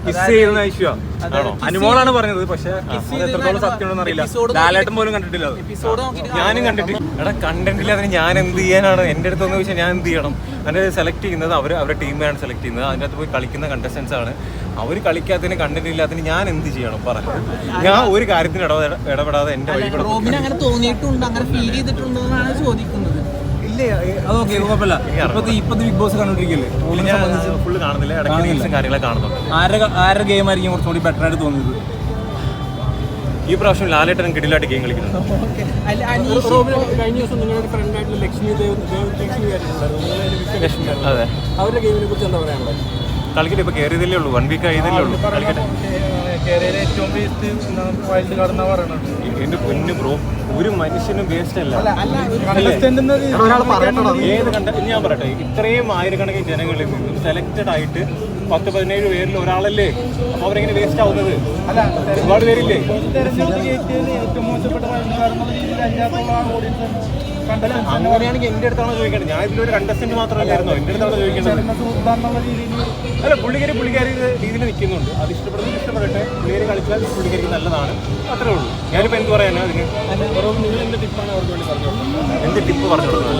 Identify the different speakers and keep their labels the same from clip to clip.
Speaker 1: അനുമോളാണ് പറഞ്ഞത്. പക്ഷെ എത്രത്തോളം സത്യമാണെന്ന് അറിയില്ല. ലാലേട്ടൻ പോലും കണ്ടിട്ടില്ല.
Speaker 2: ഞാനും കണ്ടിട്ടില്ല. എടാ കണ്ടിട്ടില്ല, അതിന് ഞാൻ എന്ത് ചെയ്യാനാണ്? എൻ്റെ അടുത്തൊന്ന് ചോദിച്ചാൽ ഞാൻ എന്ത് ചെയ്യണം? അതിന് സെലക്ട് ചെയ്യുന്നത് അവരുടെ ടീമാണ് സെലക്ട് ചെയ്യുന്നത്. അതിൻ്റെ അകത്ത് പോയി കളിക്കുന്ന കണ്ടസ്റ്റൻസ് ആണ്. അവർ കളിക്കാത്തതിന് കണ്ടന്റ് ഇല്ലാത്തതിന് ഞാൻ എന്ത് ചെയ്യണം? പറഞ്ഞു. ഞാൻ ഒരു കാര്യത്തിന് ഇടപെടാതെ എൻ്റെ വഴി കൂടെ
Speaker 3: അങ്ങനെ തോന്നിയിട്ടുണ്ട്, അങ്ങനെ ഫീൽ ചെയ്തിട്ടുണ്ടെന്നാണ് ചോദിക്കുന്നത്.
Speaker 1: അതൊക്കെ കുഴപ്പമില്ല. ഇപ്പത്തെ ബിഗ് ബോസ് കണ്ടോണ്ടിരിക്കല്ലേ?
Speaker 2: ഞാൻ ഫുള്ള് കാണുന്നില്ല, ഇടയ്ക്ക് റീൽസും കാര്യങ്ങളൊക്കെ കാണുന്നുണ്ട്.
Speaker 1: ആരുടെ ഗെയിം ആയിരിക്കും കുറച്ചുകൂടി ബെറ്റർ ആയിട്ട് തോന്നിയത്?
Speaker 2: ഈ പ്രാവശ്യം ലാലേട്ടൻ കിടിലായിട്ട് ഗെയിം കളിക്കുന്നുണ്ട്. അതെ,
Speaker 1: അവരുടെ ഗെയിമിനെ കുറിച്ച് എന്താ പറയാനുള്ളത്?
Speaker 2: കളിക്കട്ടെ, ഇപ്പൊ കയറിയതല്ലേ ഉള്ളൂ, 1 വീക്ക് ആയതല്ലേ ഉള്ളൂ. കളിക്കട്ടെ. എന്റെ പൊന്നു ബ്രോ, ഒരു മനുഷ്യനും വേസ്റ്റ് അല്ല. ഏത് ഞാൻ പറയട്ടെ, ഇത്രയും ആയിരക്കണക്കിന് ജനങ്ങളിൽ നിന്നും സെലക്റ്റഡ് ആയിട്ട് 10-17 പേരിൽ ഒരാളല്ലേ. അപ്പൊ അവരെങ്ങനെ വേസ്റ്റ് ആവുന്നത്? ഒരുപാട് പേരില്ലേ? അങ്ങനെയാണെങ്കിൽ എന്റെ അടുത്താണ് ചോദിക്കേണ്ടത്. ഞാൻ ഇതിലൊരു കണ്ടസ്റ്റന്റ് മാത്രമല്ലായിരുന്നോ? എന്റെ അടുത്താണ് ചോദിക്കേണ്ടത്. അല്ല, പുള്ളിക്കാരി രീതിയിൽ നിൽക്കുന്നുണ്ട്. അത് ഇഷ്ടപ്പെടട്ടെ. പുള്ളിക്കാരി കളിച്ചാൽ പുള്ളിക്കാരിക്ക് നല്ലതാണ്, അത്രേ ഉള്ളൂ. ഞാനിപ്പോൾ എന്ത് പറയാനാ അതിന്? എന്ത് ടിപ്പ് പറഞ്ഞു കൊടുക്കുന്നത്?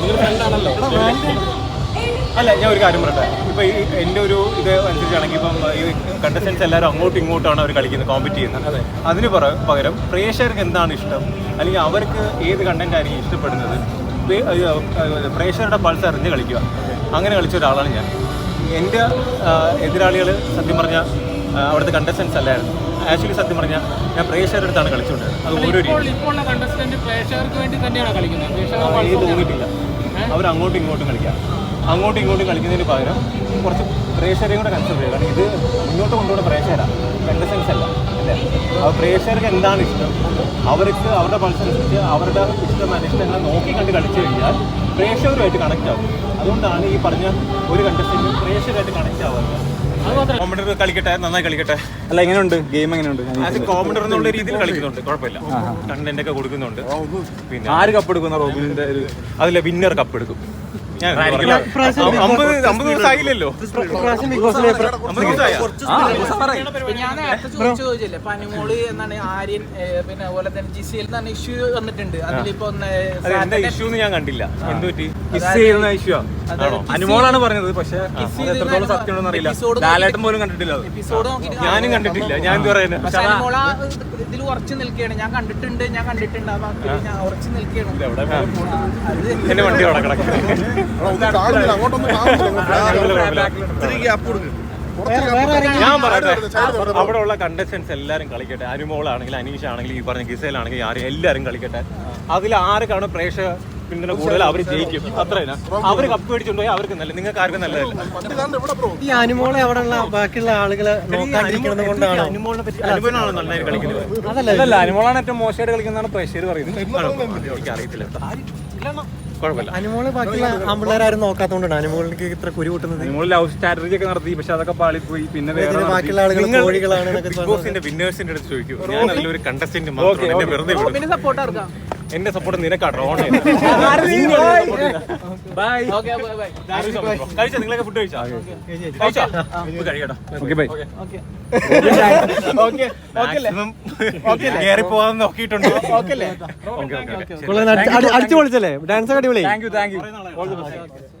Speaker 2: അല്ല, ഞാൻ ഒരു കാര്യം പറയട്ടെ. ഇപ്പം എൻ്റെ ഒരു ഇത് അനുസരിച്ചാണെങ്കിൽ ഇപ്പം ഈ കണ്ടസ്റ്റൻസ് എല്ലാവരും അങ്ങോട്ടും ഇങ്ങോട്ടാണ് അവർ കളിക്കുന്നത്, കോമ്പറ്റ് ചെയ്യുന്നത്. അതിന് പകരം പ്രേക്ഷകർക്ക് എന്താണ് ഇഷ്ടം, അല്ലെങ്കിൽ അവർക്ക് ഏത് കണ്ടന്റ് ആയിരിക്കും ഇഷ്ടപ്പെടുന്നത്, പ്രേക്ഷകരുടെ പൾസ് അറിഞ്ഞ് കളിക്കുക. അങ്ങനെ കളിച്ച ഒരാളാണ് ഞാൻ. എൻ്റെ എതിരാളികൾ സത്യം പറഞ്ഞാൽ അവിടുത്തെ കണ്ടസ്റ്റൻസ് അല്ലായിരുന്നു. ആക്ച്വലി സത്യം പറഞ്ഞാൽ ഞാൻ പ്രേക്ഷകരുടെ അടുത്താണ് കളിച്ചുകൊണ്ടിരുന്നത്. അത് ഓരോ തോന്നിയിട്ടില്ല. അവർ അങ്ങോട്ടും ഇങ്ങോട്ടും കളിക്കാം. അങ്ങോട്ടും ഇങ്ങോട്ടും കളിക്കുന്നതിന് പകരം കുറച്ച് പ്രേക്ഷകരെയും കൂടെ കൺസിഡർ ചെയ്യുക. കാരണം ഇത് മുന്നോട്ട് കൊണ്ടുപോകുന്ന പ്രേക്ഷകരാണ്, കണ്ടസ്റ്റൻസ് അല്ല, അല്ലേ? അപ്പോൾ പ്രേക്ഷകർക്ക് എന്താണ് ഇഷ്ടം, അവർക്ക് അവരുടെ പൾസനുസരിച്ച് അവരുടെ ഇഷ്ടങ്ങൾ നോക്കി കണ്ട് കളിച്ചു കഴിഞ്ഞാൽ പ്രേക്ഷകരുമായിട്ട് കണക്റ്റ് ആവും. അതുകൊണ്ടാണ് ഈ പറഞ്ഞ ഒരു കണ്ടസ്റ്റന്റ് പ്രേക്ഷകരായിട്ട് കണക്റ്റ് ആവുന്നത്. കോമഡർ കളിക്കട്ടെ, നന്നായി കളിക്കട്ടെ.
Speaker 1: അല്ല, എങ്ങനെയുണ്ട് ഗെയിം? എങ്ങനെയുണ്ട്?
Speaker 2: അത് കോമഡർ എന്നുള്ള രീതിയിൽ കളിക്കുന്നുണ്ട്, കുഴപ്പമില്ല. കണ്ടന്റ് ഒക്കെ കൊടുക്കുന്നുണ്ട്. പിന്നെ
Speaker 1: ആര് കപ്പ് എടുക്കുന്ന? റോബിന്റെ
Speaker 2: അതിലെ വിന്നർ കപ്പ് എടുക്കും. ഞാൻ 50 ദിവസം ആയില്ലല്ലോ.
Speaker 3: ഞാൻ നേരത്തെ ചോദിച്ചില്ലേ, പനിമോള് എന്നാണ് ആര്യൻ, പിന്നെ അതുപോലെ തന്നെ ജിസിയിൽ തന്നെ ഇഷ്യൂ വന്നിട്ടുണ്ട്. അതിലിപ്പോ
Speaker 2: എന്താ ഇഷ്യൂ ഞാൻ കണ്ടില്ല. എന്ത് പറ്റി?
Speaker 1: ഇഷ്യൂ അനുമോളാണ് പറഞ്ഞത്. പക്ഷെ എത്രത്തോളം സത്യമാണെന്ന് അറിയില്ല. ലാലേട്ടൻ പോലും കണ്ടിട്ടില്ല.
Speaker 3: എപ്പിസോഡ്
Speaker 2: ഞാനും കണ്ടിട്ടില്ല. ഞാൻ എന്ത് പറയുന്നത്?
Speaker 3: പനിമോള ഇതിൽ ഉറച്ചു നിൽക്കുകയാണ്. ഞാൻ കണ്ടിട്ടുണ്ട് ഞാൻ ഉറച്ചു നിൽക്കുകയാണ്.
Speaker 2: എന്റെ വണ്ടി അവിടെ കിടക്കുന്നത്. ഞാൻ പറയട്ടെ, അവിടെ ഉള്ള കണ്ടസ്റ്റൻസ് എല്ലാവരും കളിക്കട്ടെ. അനുമോളാണെങ്കിൽ, അനീഷ് ആണെങ്കിൽ, ഈ പറഞ്ഞ ഗിസേലാണെങ്കിൽ, എല്ലാവരും കളിക്കട്ടെ. അതിൽ ആർക്കാണ് പ്രേക്ഷക പിന്തുണ കൂടുതൽ അവർ ജയിക്കും. അത്രയല്ല, അവർ കപ്പ് മേടിച്ചുകൊണ്ട് പോയാൽ അവർക്ക് നല്ല, നിങ്ങൾക്ക് ആർക്കും നല്ലതല്ല.
Speaker 4: ഈ അനുമോളെ അവിടെയുള്ള ബാക്കിയുള്ള ആളുകളെ
Speaker 2: അനുമോളാണ് നന്നായിട്ട് കളിക്കുന്നത്.
Speaker 1: അതല്ല, അനുമോളാണ് ഏറ്റവും മോശമായിട്ട് കളിക്കുന്നതാണ് പ്രേക്ഷകർ പറയുന്നത്.
Speaker 2: എനിക്ക് അറിയത്തില്ല.
Speaker 4: അനുമോള് ബാക്കിയുള്ള ആമ്പിള്ളേരും നോക്കാത്തോണ്ടാണ് അനുമോളിലേക്ക് ഇത്ര കുരു കൂട്ടുന്നത്.
Speaker 1: അനുമോൾ ലവ് സ്ട്രാറ്റജി ഒക്കെ നടത്തി, പക്ഷെ അതൊക്കെ പാളിപ്പോയി. പിന്നെ
Speaker 4: ബാക്കിയുള്ള ആളുകൾ കോഴികളാണ്.
Speaker 2: ബിഗ് ബോസിന്റെ വിന്നേഴ്സിന്റെ അടുത്ത് ചോദിക്കും. ഞാൻ അതിലൊരു കണ്ടസ്റ്റന്റ് മാത്രം. എന്നെ വെറുതെ എന്റെ സപ്പോർട്ട് നിനക്കാട്ടോ. കഴിച്ചാ? നിങ്ങളൊക്കെ ഫുഡ് കഴിച്ചോ? കഴിക്കട്ടോ. കയറി പോകാൻ നോക്കിയിട്ടുണ്ട്.
Speaker 4: അടിച്ചു പൊളിച്ചല്ലേ? ഡാൻസ് അടിപൊളി.
Speaker 1: Thank U.